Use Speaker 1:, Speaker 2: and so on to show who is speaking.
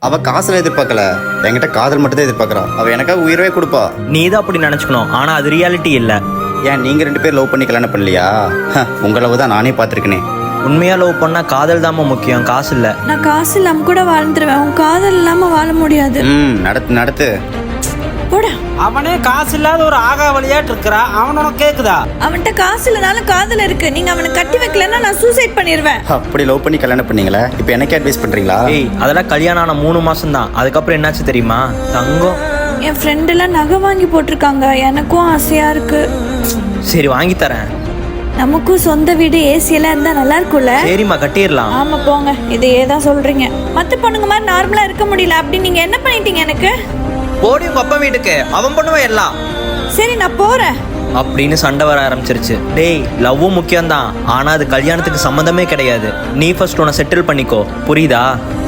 Speaker 1: அவ காசுல எதிர்பார்க்கல, என்கிட்ட காதல் மட்டும் தான் எதிர்பார்க்கறா. அவ எனக்காக உயிரவே கொடுப்பா.
Speaker 2: நீ தான் அப்படி நினைச்சுக்கணும், ஆனா அது ரியாலிட்டி இல்ல.
Speaker 1: ஏன் நீங்க 2 பேர் லவ் பண்ணி கல்யாணம் பண்ணலையா? உங்களவு தான் நானே பார்த்துருக்கேனே.
Speaker 2: உண்மையா லவ் பண்ணா காதல் தாம முக்கியம், காசு இல்ல.
Speaker 3: நான் காசு இல்லாம கூட வாழ்ந்துருவேன், உன் காதல் இல்லாம வாழ முடியாது.
Speaker 1: நடத்து நடத்து.
Speaker 3: போடா.
Speaker 4: அவனே காசு இல்லாத ஒரு ஆகா வழியாட்டு இருக்கிறா, அவன் உனக்கு கேக்குதா?
Speaker 3: அவன்கிட்ட காசு இல்லனாலும் காதல் இருக்கு. நீங்க அவனை கட்டி வைக்கலன்னா நான் சூசைட் பண்ணிடுவேன்.
Speaker 1: அப்படி லவ் பண்ணி கல்யாணம் பண்ணீங்களா? இப்போ எனக்கு அட்வைஸ் பண்றீங்களா?
Speaker 2: ஏய், அதெல்லாம் கல்யாணம் ஆன 3 மாசம் தான். அதுக்கப்புறம் என்னாச்சு தெரியுமா? தங்கம்.
Speaker 3: என் ஃப்ரெண்ட் எல்லாம் நகை வாங்கி போட்டிருக்காங்க, எனக்கும் ஆசையா இருக்கு.
Speaker 2: சரி வாங்கி தரேன்.
Speaker 3: நமக்கும் சொந்த வீடு ஏசி எல்லாம் இருந்தா நல்லா இருக்கும்ல?
Speaker 2: சரிம்மா, கட்டிடலாம்.
Speaker 3: ஆமா போங்க, இதையே தான் சொல்றீங்க. மத்த பொண்ணுங்க மாதிரி நார்மலா இருக்க முடியல, அப்படி நீங்க என்ன பண்ணிட்டீங்க எனக்கு?
Speaker 2: போடி உங்க அப்பா வீட்டுக்கு, அவன் பண்ணுவான் எல்லாம்.
Speaker 3: சரி நான் போறேன்
Speaker 2: அப்படின்னு சண்டை வர ஆரம்பிச்சிருச்சு. டேய், லவ்வும் முக்கியம் தான், ஆனா அது கல்யாணத்துக்கு சம்மந்தமே கிடையாது. நீ ஃபர்ஸ்ட் உன்னை செட்டில் பண்ணிக்கோ, புரியுதா?